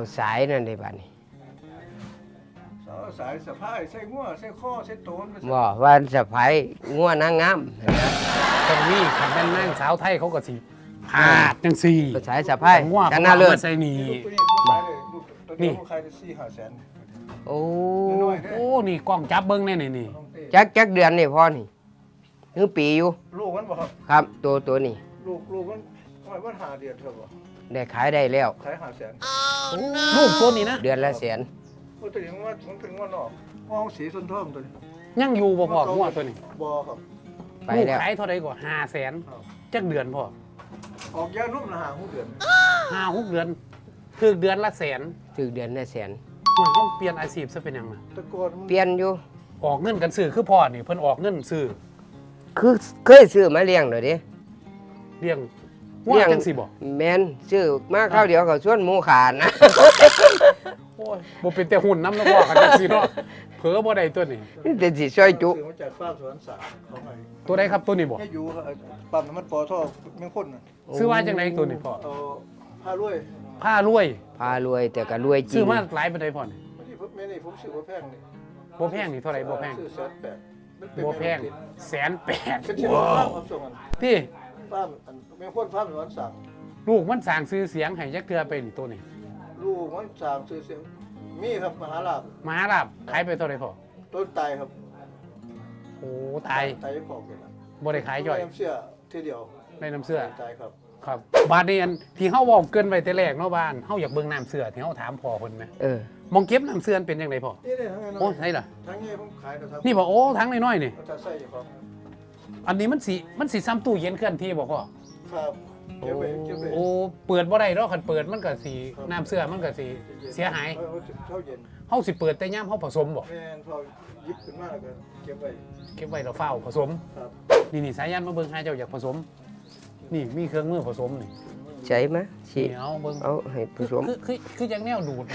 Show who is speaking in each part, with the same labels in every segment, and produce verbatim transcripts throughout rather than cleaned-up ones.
Speaker 1: สายนั่นได้บัดนี้
Speaker 2: สายสะพายใส่งัวใส่ข้อใส่โตน
Speaker 1: บ่ว่าสะพายงัวนางงาม
Speaker 3: ตรงนี้คันแม่นนางสาวไทยเขาก็สิพาดจังซี่
Speaker 1: สายสะพายกันน่าเลิศ
Speaker 3: ใส่นี่
Speaker 2: นี่ขายได้สี่ห้าแสน
Speaker 1: โอ้
Speaker 3: โอ้นี่กล้องจับเบิ่งแน่นี่นี่
Speaker 1: จักจักเดือนนี่พ่อนี่คือปีอยู่
Speaker 2: ลูกมันบ่ครับ
Speaker 1: ครับตัวตัวนี้
Speaker 2: ลูกลูกมันมันหาเดือนเท่าบ่
Speaker 1: ได้ขายได้แล้ว
Speaker 2: ขายห้าแสน
Speaker 3: ลูกตัวนี้นะ
Speaker 1: เดือนละแสน
Speaker 2: โอ้ตัวนี้ว่ามันเป็นงัวนอกห้องสีส้นทองตัวนี้
Speaker 3: ยังอยู่บ่พ่องัวตัวนี้
Speaker 2: บ่ครับ
Speaker 1: ไปแล้ว
Speaker 3: ขายเท่าใดกว่าห้าแสนจักเดือนพ่อ
Speaker 2: ออกยานุ่มละห้าหกเดือน
Speaker 3: ห้าหกเดือนคือเดือนละแสน
Speaker 1: ถึงเดือนละแสน
Speaker 3: มันต้องเปลี่ยนอาชีพซะเป็นหยังล่ะ
Speaker 2: ตะกอน
Speaker 1: เปลี่ยนอยู่
Speaker 3: ออกเงินกันซื้อคือพ่อนี่เพิ่นออกเงินซื้อ
Speaker 1: คือเคยซื้อมาเลี้ยงเลยดิ
Speaker 3: เลี้ยงงัวจังสิบ่
Speaker 1: แม่นซื้อมาข้าวเดียวก็ชวนหมูขาดนะ
Speaker 3: โอ้ยบ่เป็นแต่หุ่นน้ำแล้วพ่อกันจังสิเนาะเผลอบ่ได้ตัวนี้
Speaker 1: นี่แต่สิช่วยจุ
Speaker 2: ซื้อมาจากฟาร์มสวนสาของไง
Speaker 3: ตัวใดครับตัวนี้บ่
Speaker 2: ให้อยู่ปั๊มน้ำมันปอท่อแม่งคนน่ะ
Speaker 3: ซื้อมาจังได๋ตัวนี้พ่อ
Speaker 2: เอาผ้ารวย
Speaker 3: ผ้ารวย
Speaker 1: ผ้ารวยแต่ก็รวยจริง
Speaker 3: ซื้อมาหลายปานใดพ่อนี่
Speaker 2: แม่นี่ผมซื้อบ่แพงนี่
Speaker 3: บ่แพงนี่เท่าไหร่บ่แพง
Speaker 2: ซื้อแสนแปด
Speaker 3: บ่แพงแสนแปด
Speaker 2: เป็นที่ฟาร์มส่งกัน
Speaker 3: พี่
Speaker 2: ฟาร์มแม่งคนฟาร์มสวนสา
Speaker 3: ลูกมันสร้างชื่อเสียงให้จักเทื่อไปนี่ตัวนี้
Speaker 2: ลูกมันสร้างชื่อเสียงมีครับมหาลาภ
Speaker 3: มหาลาภขายไปเท่าไหร่พ่อ
Speaker 2: ต้นตายครับ
Speaker 3: โอ้ตาย
Speaker 2: ตายของเลยนะ
Speaker 3: บ่ได้ขายย่อย
Speaker 2: น้ำเสื้อทีเดียว
Speaker 3: ได้น้ำเสื้อ
Speaker 2: ตายครับ
Speaker 3: ครับบาดนี้อันที่เฮาเว้าเกินไว้แต่แรกเนาะบ้านเฮาอยากเบิ่งน้ำเสื้อที่เฮาถามพ่อเพิ่นแหม
Speaker 1: เออ
Speaker 3: มองเก็บน้ำเสื้อเป็นจังไดพ่อ
Speaker 2: นี่ได้ทั้งนั้น
Speaker 3: โอ้ใช่ล่ะ
Speaker 2: ทั้งนี้ผมขายนะครับ
Speaker 3: นี่บ่โอ้ทั้งน้อยๆนี่
Speaker 2: จะใส่อยู่ครับ
Speaker 3: อันนี้มันสิมันสิซ้ำตู้เย็นเคลื่อนที่บ่พ่อ
Speaker 2: ครับเก็บไว้เก็บไว้
Speaker 3: โอ้เปิดบ่ได้ดอกคันเปิดมันก็สิน้ำเสื้อมันก็สิเสียหาย
Speaker 2: เท่าเย็น
Speaker 3: เฮาสิเปิดแต่ยามเฮาผสมบ่
Speaker 2: แม่นพอหยิบขึ้นมาแล้วก็เก็บไว้
Speaker 3: เก็บไว้แล้วเฝ้าผสม
Speaker 2: ครับ
Speaker 3: นี่ๆสายันมาเบิ่งหาเจ้าอยากผสมนี่มีเครื่องมือผสมนี่
Speaker 1: ใช่มั้ยสิ
Speaker 3: เอาเบิ่ง
Speaker 1: เอาให้ผสม
Speaker 3: คือคือคือจังแนวดูด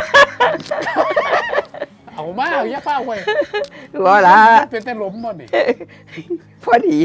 Speaker 3: เอามาอย่าเฝ้าไว้
Speaker 1: บ่ล่ะ
Speaker 3: เป็นแต่หล้มบ่นี่
Speaker 1: พอดี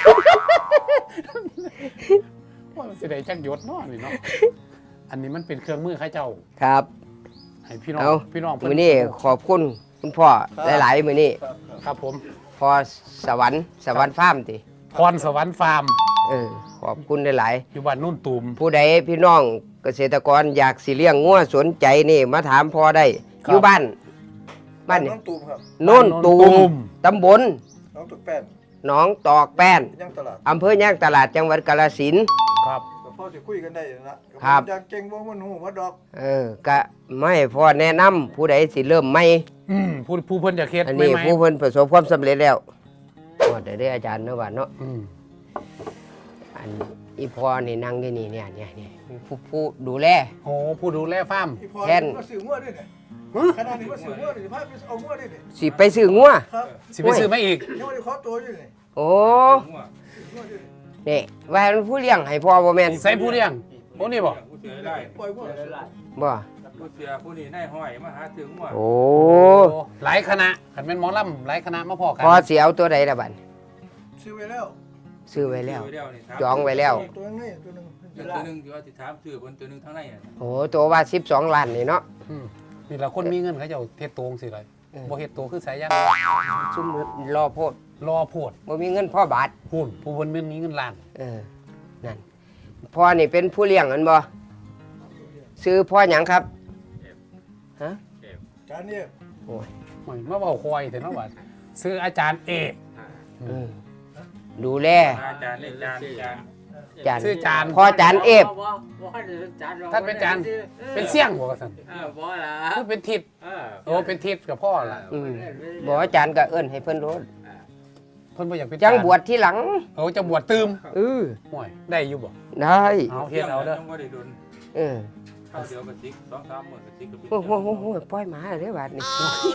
Speaker 3: ว่าสิได้จักหยดเนาะนี่เนาะอันนี้มันเป็นเครื่องมือเขาเจ้า
Speaker 1: ครับ
Speaker 3: ให้พี่น้องพี่น้อง
Speaker 1: มื้อนี้ขอบคุณคุณพ่อหลายๆมื้อนี้
Speaker 3: ครับผม
Speaker 1: พอสวรรค์สวรรค์ฟาร์มติ
Speaker 3: พรสวรรค์ฟาร์ม
Speaker 1: เออขอบคุณหลาย
Speaker 3: ๆอยู่บ้านนุ่นตูม
Speaker 1: ผู้ใดพี่น้องเกษตรกรอยากสิเลี้ยงงัวสนใจนี่มาถามพ่อได้อยู่บ้านบ้านนี่
Speaker 2: น้องตูมครับ
Speaker 1: โน่นตูมตำบล
Speaker 2: น้องตอกแป้น
Speaker 1: หนองตอกแป้น
Speaker 2: ย่างตลาด
Speaker 1: อำเภอย่างตลาดจังหวัดกาฬสินธุ์
Speaker 3: ครับ
Speaker 2: พ่อจะคุยกันได้นะครับอยากเก่งบ่มันหูว่าดอก
Speaker 1: เออก็ไม่พ่อแนะนำผู้ใดสิเริ่มใหม่
Speaker 3: อืมผู้ผู้เพิ่นจะเฮ็ด
Speaker 1: อันนี้ผู้เพิ่นประสบความสำเร็จแล้วว่าได้ได้อาจารย์เนาะว่าเนาะ
Speaker 3: อืม
Speaker 1: อันอีพ่อนี่นั่งที่นี่เนี่ยเนี่ยเนี่ยผู้ผู้ดูแล
Speaker 3: โอ้ผู้ดูแลฟาร์ม
Speaker 1: แทน
Speaker 2: มาซื้องัวด้วยเนี่ยขนาดนี้มาซื้องัวนี่พาไปเอางัวด้วยเนี่ย
Speaker 1: สิไปซื้องัว
Speaker 2: ครับ
Speaker 3: สิไปซื้อมาอีก
Speaker 2: ยังไม่ได้ขอตัวอยู่นี่
Speaker 1: โอ้นี่ว่าผู้เลี้ยงให้พ่อบ่แม่น
Speaker 3: ใส่ผู้เลี้ยงโอ้นี่บ่
Speaker 2: ปล่อยงัว
Speaker 1: บ่
Speaker 4: ผู้เสือผู้นี้นายห้อยมาหาซื้องัว
Speaker 1: โอ้
Speaker 3: หลายคณะคันแม่นหมอลำหลายคณะมาพอกัน
Speaker 1: พอสิเอาตัวใดล่ะบัด
Speaker 2: ซื้อไว้แล้ว
Speaker 1: ซื้อไว้แล้วจองไว้แล้ว
Speaker 2: ตัวนึงตัวนึง
Speaker 4: ตัวนึงที่ว่าสิถามซื้อบนตัวนึงทางในอ่ะ
Speaker 1: โอ้ตัวว่าสิบสองล้านนี่เนาะ
Speaker 3: นี่ล่ะคนมีเงินเขาเจ้าเฮ็ดโตงสิเลยบ่เฮ็ดโตคือสายยาง
Speaker 1: ซุ่มรอโพด
Speaker 3: รอโพด
Speaker 1: บ่มีเงินพ่อบาท
Speaker 3: พูนผู้เพิ่นมีเงินล้าน
Speaker 1: เออนั่นพ่อนี่เป็นผู้เลี้ยงอันบ่ซื้อพ่อหยังครับฮะ
Speaker 2: จานนี้
Speaker 1: โอ้
Speaker 3: ยมาเว้าคอยแต่เนาะว่าซื้ออาจารย์เอก
Speaker 1: ดูแล
Speaker 4: อาจารย์นี่จานจาน
Speaker 1: จาน
Speaker 3: ซื้อจาน
Speaker 1: พ่อจานเอฟ
Speaker 3: ท่านเป็นจานเป็นเสี่ยงบ่ว่าซั่น
Speaker 4: เออบ่ล่ะ
Speaker 3: คือเป็นทิศเออโอ้เป็นทิศกับพ่อล่ะ
Speaker 1: อืมบ่จานก็เอิ้นให้เพิ่นโดน
Speaker 3: เพิ่นบ่อยากเป็น
Speaker 1: จังบวชทีหลัง
Speaker 3: โอ้จะบวชตืม
Speaker 1: เออ
Speaker 3: ห่วยได้อยู่บ่
Speaker 1: ได้
Speaker 3: เอาเฮ็ดเอาเด้อ
Speaker 4: บ่ได้โดน
Speaker 1: เออ
Speaker 4: ข้าวเดียวกับติ๊ก สองสาม มื้อกับติ๊กกับ
Speaker 1: โอ้โหๆๆปล่อยหมาเด้อบาดนี้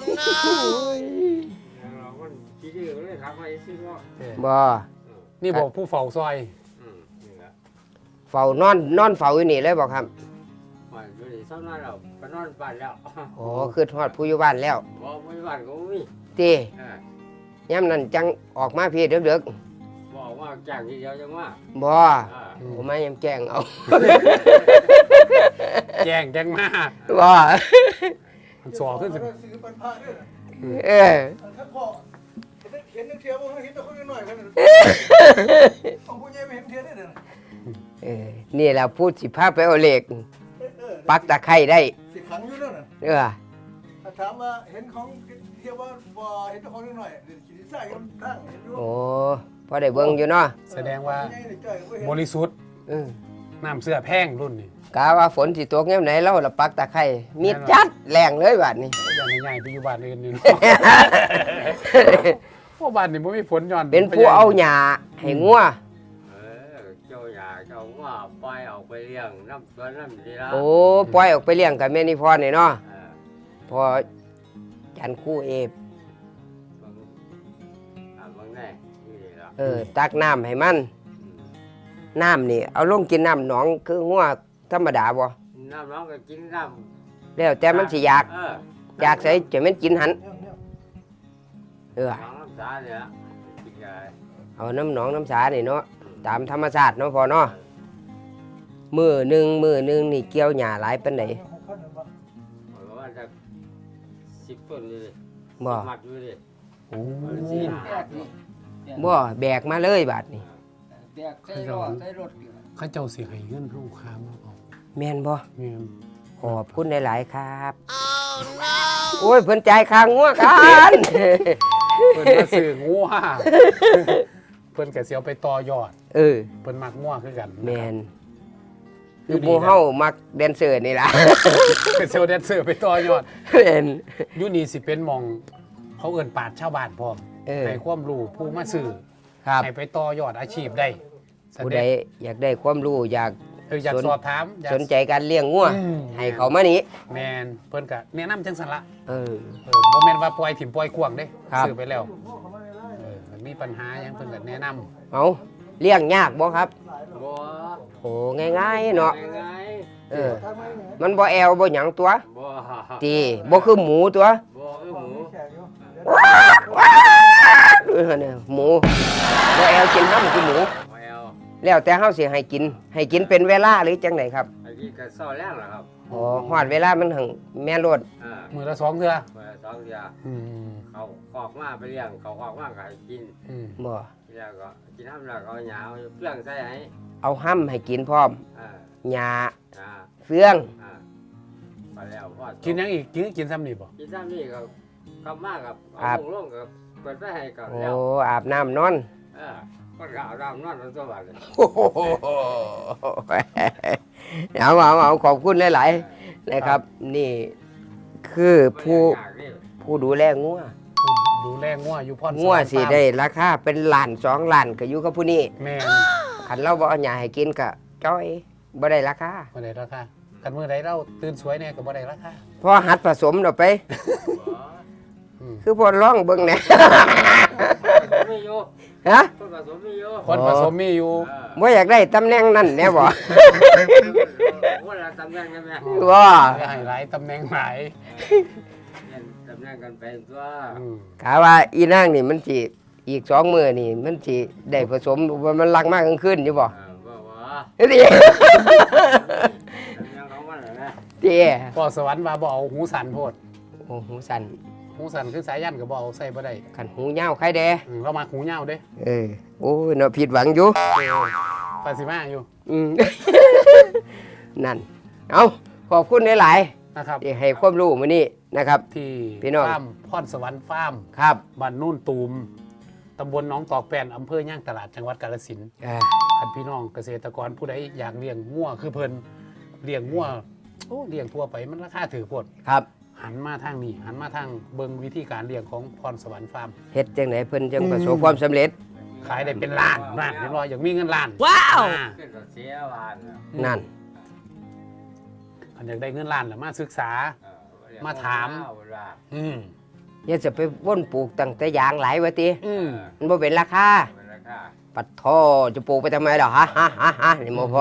Speaker 4: เรามันขี้ดื้อเลยถามว่าสิบ่
Speaker 1: บ่
Speaker 3: นี่บ่ผู้เฝ้าซอย
Speaker 4: อืมนี่ล่ะ
Speaker 1: เฝ้านอนนอนเฝ้าอยู่นี่เลยบ่ครับ
Speaker 4: ว่าอยู่นี่ซ้ำนั้นแล้วไปนอนบ้านแล้ว
Speaker 1: อ๋อคือฮอดผู้อยู่บ้านแล้ว
Speaker 4: บ่ผู้อยู่บ้านก็บ่มี
Speaker 1: ติยามนั้นจังออกมาพี่ดึกๆ
Speaker 4: บ่วว่าจ้างทีเดียวจังว่า
Speaker 1: บ่
Speaker 4: อ่า
Speaker 1: ผมไม่ยำแกล้งเอา
Speaker 3: แจ้งแจ้งมา
Speaker 1: บ่
Speaker 3: มันสอขึ้นสิ
Speaker 2: ซื้อปันผ้าด้วยนะ
Speaker 1: เออ
Speaker 2: ถ้าพ่อเห็นนึกเทียบว่าเห็นแต่คนน้อยๆกันของผู้ใหญ่ไม่เห็นเทียบได้เลย
Speaker 1: เออนี่แหละพูดสิพาไปเอาเหล็ก
Speaker 2: เออ
Speaker 1: ปักตะไคร้ได้
Speaker 2: สิขังอยู่นั่นน่ะ
Speaker 1: เออ
Speaker 2: ถ้าถามว่าเห็นของเทียบว่าบ่เห็นแต่คนน้อยๆเดี๋ยวขี้ใส่กันตั้งเห็นอยู่
Speaker 1: โอ้พอได้เบิ่งอยู่เนาะ
Speaker 3: แสดงว่า
Speaker 2: ผู้ใหญ่นี่จ้อยก็บ่เห็น
Speaker 3: บริสุทธิ์
Speaker 1: เออ
Speaker 3: น้ำเสื้อแพงรุ่นนี้
Speaker 1: กะว่าฝนสิตกยามไหนเราละปักตะไคร้มีจัดแรงเลยบัดนี้
Speaker 3: อย่างใหญ่ๆไปอยู่บ้านอื่นนี่เนาะ เพราะบ้านนี่บ่มีฝนย้อน
Speaker 1: เป็นผู้เอาหญ้าให้งัว
Speaker 4: เออเจ้าอยากเจ้าว่าปล่อยออกไปเลี้ยงน้ำสวนน้ำดีละ
Speaker 1: โอ้ปล่อยออกไปเลี้ยงกับแม่นิพรนี่เนาะ
Speaker 4: เออ
Speaker 1: พอจันคู่เอฟ
Speaker 4: บางอ่าบางแน่นี่ละ
Speaker 1: เออตักน้ำให้มัน
Speaker 4: อืม
Speaker 1: น้ำนี่เอาลงกินน้ำหนองคืองัวธรรมดาบ่
Speaker 4: น้ำน้องก็กินน้ำ
Speaker 1: แล้วแต่มันสิอยาก
Speaker 4: เออ
Speaker 1: อยากใส่จะแม่นกินหัน
Speaker 2: เนี่ยเนี่ย
Speaker 1: เออ
Speaker 4: น้องน้ำสาเนี่ยกินไง
Speaker 1: เอาน้ำหนองน้ำสานี่เนาะตามธรรมชาติเนาะพอเนาะมือหนึ่งมือหนึ่งนี่เกี่ยวหญ้าหลายปานใด
Speaker 2: หกพันหนึ่งบาท
Speaker 4: เพราะว่าจะสิบต้นเลย
Speaker 1: บ่
Speaker 4: มัดอยู่เลย
Speaker 3: โอ้
Speaker 4: สี่ห้า
Speaker 1: บ่แบกมาเลยบาดนี้
Speaker 5: แตกใส่รถใส่รถอยู่
Speaker 3: เขาเจ้าสิให้เงินเฮาค้ามาเอา
Speaker 1: แม่นบ่
Speaker 3: แม่น
Speaker 1: ขอบคุณหลายๆครับโอ้ยเพิ่นจ่ายค่างัวกัน
Speaker 3: เพิ่นมาซื้องัวเพิ่นก็สิเอาไปต่อยอด
Speaker 1: เออ
Speaker 3: เพิ่นมักงัวคือกัน
Speaker 1: แม่นคือหมู่เฮามักแดนเซอร์นี่ล่ะ
Speaker 3: เป็นเซลล์แดนเซอร์ไปต่อยอด
Speaker 1: แม่น
Speaker 3: อยู่นี่สิเป็นหมอง เขาเอิ้นปราชญ์ชาวบ้านพร้อม
Speaker 1: เออ
Speaker 3: ให้ความรู้ผู้มาซื้อ
Speaker 1: ครับ
Speaker 3: ให้ไปต่อยอดอาชีพได้แส
Speaker 1: ผู้
Speaker 3: ด
Speaker 1: ใด
Speaker 3: ง
Speaker 1: อยากได้ความรู้อยาก
Speaker 3: เอออยาก
Speaker 1: สน
Speaker 3: สอบถามอยาก
Speaker 1: สนใจการเลี้ยงงัว
Speaker 3: อืม
Speaker 1: ให้เขามานี่
Speaker 3: แมนเพิ่นก็แนะนำจังซั่นละ
Speaker 1: เออ
Speaker 3: เออบ่แม่นว่าปล่อยถิ่มปล่อยกวางเด้
Speaker 1: ครับ
Speaker 3: ซื้อไปแล้ว
Speaker 2: พ่อเขาไม่ได้
Speaker 3: เออมันมีปัญหาหยังเพิ่นก็แนะนำ
Speaker 1: เอาเลี้ยงยากบ่ครับ
Speaker 4: บัว
Speaker 1: โอ้ง่ายๆเนาะ
Speaker 4: ยังไง
Speaker 1: เออ
Speaker 2: ทำไมเนี่ย
Speaker 1: มันบ่แอวบ่หยังตัว
Speaker 4: บัว
Speaker 1: ตีบ่คือหมูตัว
Speaker 4: บัวคือหมู
Speaker 2: แขกอยู่
Speaker 1: เออเนี่ยหมูบ่แอวกินห้ำคือหมู
Speaker 4: มาเอา
Speaker 1: แล้วแต่เฮาสิให้กิน ให้กินเป็นเวลาหรือจังไดครับ
Speaker 4: ไอ้ที่กระซ่อแรงเหรอครับ
Speaker 1: อ๋อฮอดเวลามันหังแม่นโลด
Speaker 4: อ่า
Speaker 3: มื้อละสองเทื่อ
Speaker 4: เมื่อสองเดือน
Speaker 3: อืม
Speaker 4: เขาคอกมาไปเลี้ยงเขาคอกมาก็ให้กิน
Speaker 3: อืม
Speaker 1: บ่
Speaker 4: แล้วก็กินน้ำแล้วก็เอาหยาเอาเปลืองใส่ให้
Speaker 1: เอาห้ำให้กินพร้อม
Speaker 4: อ่า
Speaker 1: หญ้า
Speaker 4: อ่า
Speaker 1: เฟือง
Speaker 4: อ่าไปแล้วพอ
Speaker 3: กินหยังอีกกินกินซ้ำนี่บ่
Speaker 4: กินซ้ำนี่ก็เข้ามากับ
Speaker 1: ครั
Speaker 4: เอา
Speaker 1: บ
Speaker 4: ลงลงกับเปิดไปให้ก็
Speaker 1: โอ้
Speaker 4: แล้ว
Speaker 1: อาบน้ำนอน
Speaker 4: เออก็กเอาดำนอนตัวบ้านเลย
Speaker 1: โอ้โหเอาเอาเอาขอบคุณหลายๆนะครับ นี่คือผู้
Speaker 4: อยากนี่
Speaker 1: ผู้ดูแลงัว
Speaker 3: ดูแลงัวอยู่พร
Speaker 1: งัวสิได้ราคาเป็นล้านสองล้านก็อยู่กับผู้นี้
Speaker 3: แม่น
Speaker 1: คันเราบ่เอาหญ้าให้กินก็จ้อยบ่ได้ราคา
Speaker 3: บ่ได้ราคาคันมื้อใดเราตื่นสวยแน่ก็บ่ได้ราคา
Speaker 1: พอหัดผสมเราไป
Speaker 3: อืม
Speaker 1: คือพอร้องเบิ่งแหน่
Speaker 4: มีอยู่
Speaker 1: ฮะ
Speaker 4: คนผสมมีอยู่
Speaker 3: คนผสมมีอยู่
Speaker 4: เออ
Speaker 1: บ่อยากได้ตำแหน่งนั้นแน่บ่
Speaker 4: ว่าเราตำแหน่งกันไหม
Speaker 1: ว่า
Speaker 3: อย่าให้หลายตำแหน่งหลาย
Speaker 4: เนี่ยตำแหน่งกันไปตัว
Speaker 3: อืม
Speaker 1: กะว่าอีนางนี่มันสิอีกสองมื้อนี่มันสิได้ผสมว่ามันลักมากกลางคืนอยู่บ่
Speaker 4: เออบ่ว่า
Speaker 1: เฮ้ย
Speaker 4: ตำแหน่งของมันเหรอนะ
Speaker 1: เตี้ย
Speaker 3: พอสวรรค์ว่าบ่เอาหูสั่นโพด
Speaker 1: โอ้หูสั่น
Speaker 3: หูสั่นคือสายยันก็บ่เอาใส่บ่ได้
Speaker 1: คันหูยาวใครแด
Speaker 3: อืมเรามาหูยาวเด้
Speaker 1: เออโอ้ยเนาะผิดหวังอยู่
Speaker 3: ปาสิมาอยู่
Speaker 1: อืม นั่น เอาขอบคุณหลาย
Speaker 3: นะครับ
Speaker 1: ๆที่ให้ความรู้มื้อนี้นะครับ
Speaker 3: ที่
Speaker 1: พี่น้อง
Speaker 3: ฟาร์มพรสวรรค์ฟาร์ม
Speaker 1: ครับ
Speaker 3: บ้านนู่นตูมตำบลหนองตอกแป้นอำเภอย่างตลาดจังหวัดกาฬสินธุ์
Speaker 1: อ่า
Speaker 3: คันพี่น้องเกษตรกรผู้ใดอยากเลี้ยงงัวคือเพิ่นเลี้ยงงัวโอ้เลี้ยงทั่วไปมันราคาถือโพด
Speaker 1: ครับ
Speaker 3: หันมาทางนี้หันมาทางเบิงวิธีการเลี้ยงของพรสวรรค์ฟาร์ม
Speaker 1: เฮ็ดจังไหนเพิ่นจังประสบความสำเร็จ
Speaker 3: ขายได้เป็นล้านล้านเรียบร้อยอยากมีเงินล้าน
Speaker 1: ว้าว
Speaker 3: อ่
Speaker 4: ขึ้นกับเสียหวานน่ะ
Speaker 1: นั่น
Speaker 3: คันอยากได้เงินล้านแล้วมาศึกษา
Speaker 4: เออเรียก
Speaker 3: มาถาม
Speaker 4: เอเวลา
Speaker 3: อืม
Speaker 1: อย่าจะไปว่นปลูกตั้งแต่ยางหลายวะติ
Speaker 3: อืม
Speaker 1: มันบ่เป็นราคา
Speaker 4: เป็นราคา
Speaker 1: ปัดโทจะปลูกไปทำไมดอกฮะฮะฮะฮะนี่โมพ่อ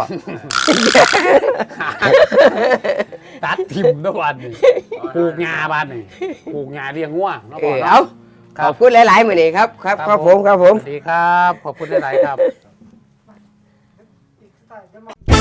Speaker 3: ตัดทิมทุกวันนี่ปลูกงาบ้านนี่ปลูกงาเลี้ยงงัวเนาะ
Speaker 1: เอ
Speaker 3: พ่อ
Speaker 1: อ
Speaker 3: เนาะ
Speaker 1: เอา
Speaker 3: ค
Speaker 1: ข
Speaker 3: รั
Speaker 1: อ
Speaker 3: บบ
Speaker 1: คุณหลายๆมื้อนี้ครับครับครับผมครับผม
Speaker 3: สวัสดีครับ ขอบคุณหลายๆครับ
Speaker 2: อีกสไตล์จะมา